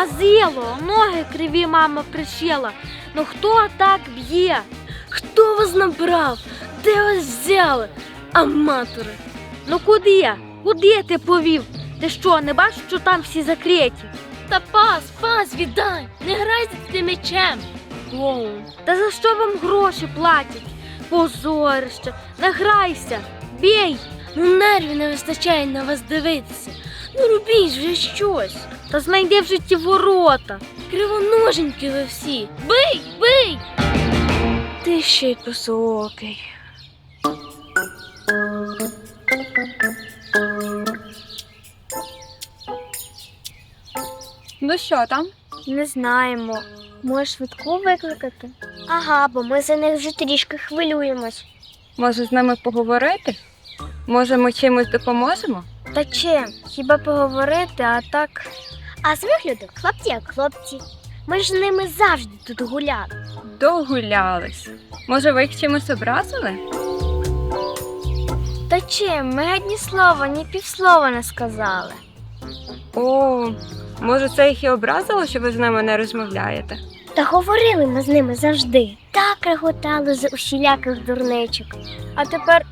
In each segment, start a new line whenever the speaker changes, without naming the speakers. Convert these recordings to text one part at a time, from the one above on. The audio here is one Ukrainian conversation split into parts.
Мазило, ноги криві мама пришила. Ну хто так б'є?
Хто вас набрав? Де вас взяли? Аматори.
Ну куди? Куди ти повів? Ти що, не бачиш, що там всі закриті?
Та пас, віддай! Не грайся ти мечем!
Оу, та за що вам гроші платять? Позорище, не грайся, бій!
Ну нервів не вистачає на вас дивитися. Ну робіть вже щось.
Та знайди в житті ворота.
Кривоноженькі ви всі. Бий! Ти ще й косоокий.
Ну що там?
Не знаємо. Може швидку викликати? Ага, бо ми за них вже трішки хвилюємось.
Може з ними поговорити? Може ми чимось допоможемо?
Та чим? Хіба поговорити, а так. А з вигляду хлопці як хлопці. Ми ж з ними завжди тут гуляли.
Догулялись. Може ви їх чимось образили?
Та чим? Ми геть ні слова, ні півслова не сказали.
О, може це їх і образило, що ви з ними не розмовляєте?
Та говорили ми з ними завжди. Так реготали з усіляких дурничок. А тепер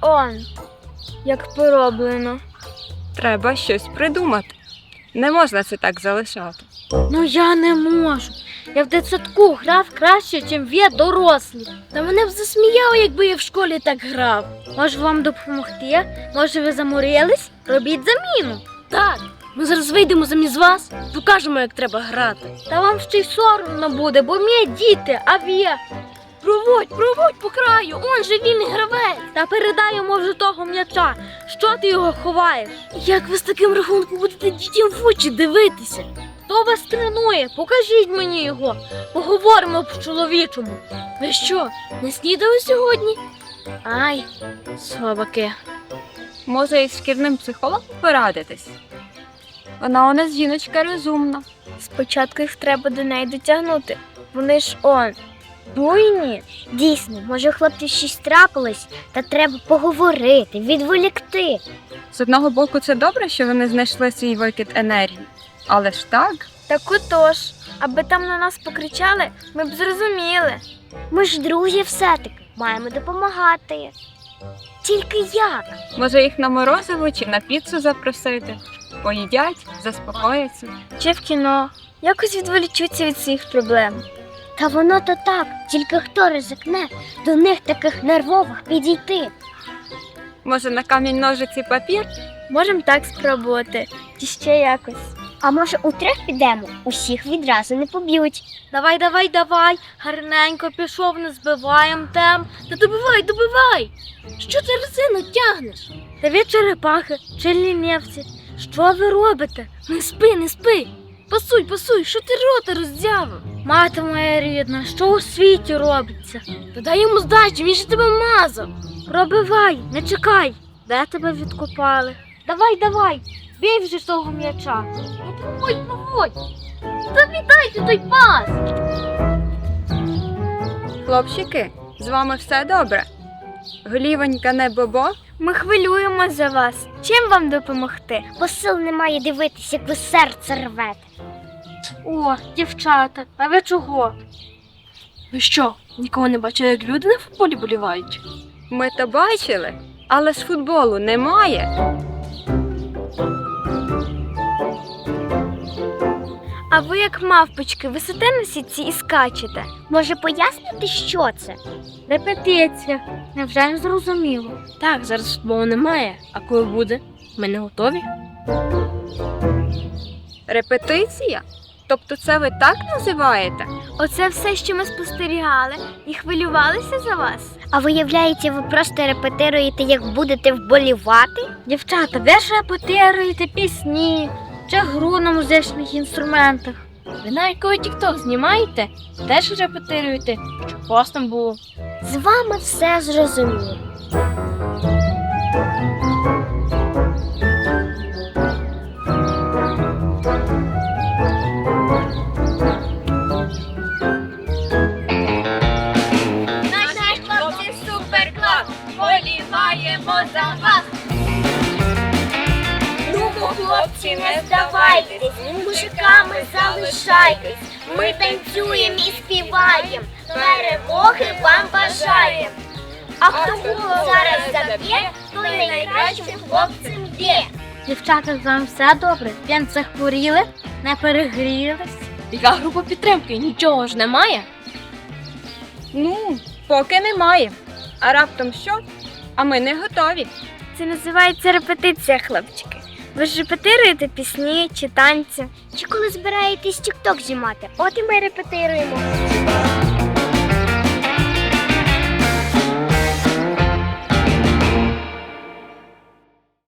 як пороблено.
Треба щось придумати. Не можна це так залишати.
Ну я не можу. Я в дитсадку грав краще, ніж ви дорослі.
Та мене б засміяло, якби я в школі так грав.
Може вам допомогти? Може ви заморились? Робіть заміну.
Так, ми зараз вийдемо замість вас, покажемо, як треба грати.
Та вам ще й соромно буде, бо ми діти, а ви.
Проводь по краю, он же вільний гравець.
Та передай йому вже того м'яча. Що ти його ховаєш?
Як ви з таким рахунком будете дітям в очі дивитися?
Хто вас тренує? Покажіть мені його. Поговоримо по-чоловічому.
Ви що, не снідали сьогодні? Ай, слабаки.
Може із шкільним психологом порадитись? Вона у нас жіночка розумна.
Спочатку їх треба до неї дотягнути. Вони ж буйні. Дійсно, може у хлопців щось трапилось, та треба поговорити, відволікти.
З одного боку це добре, що вони знайшли свій викид енергії. Але ж так?
Так отож, аби там на нас покричали, ми б зрозуміли. Ми ж друзі все-таки, маємо допомагати. Тільки як?
Може їх на морозиво чи на піцу запросити? Поїдять, заспокояться.
Чи в кіно. Якось відволічуться від своїх проблем. Та воно то так, тільки хто ризикне до них таких нервових підійти.
Може на камінь, ножиці, папір?
Можемо так спробувати, чи ще якось. А може утрьох підемо? Усіх відразу не поб'ють.
Давай. Гарненько пішов, не збиваємо темп.
Та добивай! Що ти резину тягнеш?
Та ви черепахи чи лінівці. Що ви робите?
Не спи! Пасуй, що ти рота роздявив?
Мати моя рідна, що у світі робиться?
Та дай йому здачі, він же тебе мазав.
Пробивай, не чекай. Де тебе відкопали? Давай, бій вже того м'яча.
Ну проводь. Та віддайте той пас.
Хлопчики, з вами все добре? Голівонька не бобо?
Ми хвилюємось за вас. Чим вам допомогти? Бо сил немає дивитися, як ви серце рвете.
О, дівчата, а ви чого?
Ви що, нікого не бачили, як люди на футболі болівають?
Ми то бачили, але ж футболу немає.
А ви, як мавпочки, висите на сітці і скачете. Може пояснити, що це?
Репетиція. Невже не зрозуміло?
Так, зараз футболу немає, а коли буде? Ми не готові?
Репетиція? Тобто це ви так називаєте?
Оце все, що ми спостерігали і хвилювалися за вас. А виявляється, ви просто репетируєте, як будете вболівати?
Дівчата, ви ж репетируєте пісні чи гру на музичних інструментах?
Ви навіть коли тік-ток знімаєте, теж репетируєте, щоб постом було.
З вами все зрозуміло.
Наші хлопці суперклас, боліваємо за вас. Ну, хлопці,
не здавайтесь, мужиками залишайтесь. Ми танцюємо і співаємо, перемоги вам бажаємо. А хто гол зараз заб'є, той найкращим хлопцем є.
Дівчата, з вами все добре? В п'янцях хворіли, не перегрілись.
Яка група підтримки? Нічого ж немає.
Ну, поки немає. А раптом що? А ми не готові.
Це називається репетиція, хлопчики. Ви ж репетируєте пісні чи танці? Чи коли збираєтесь тік-ток знімати? От і ми репетируємо.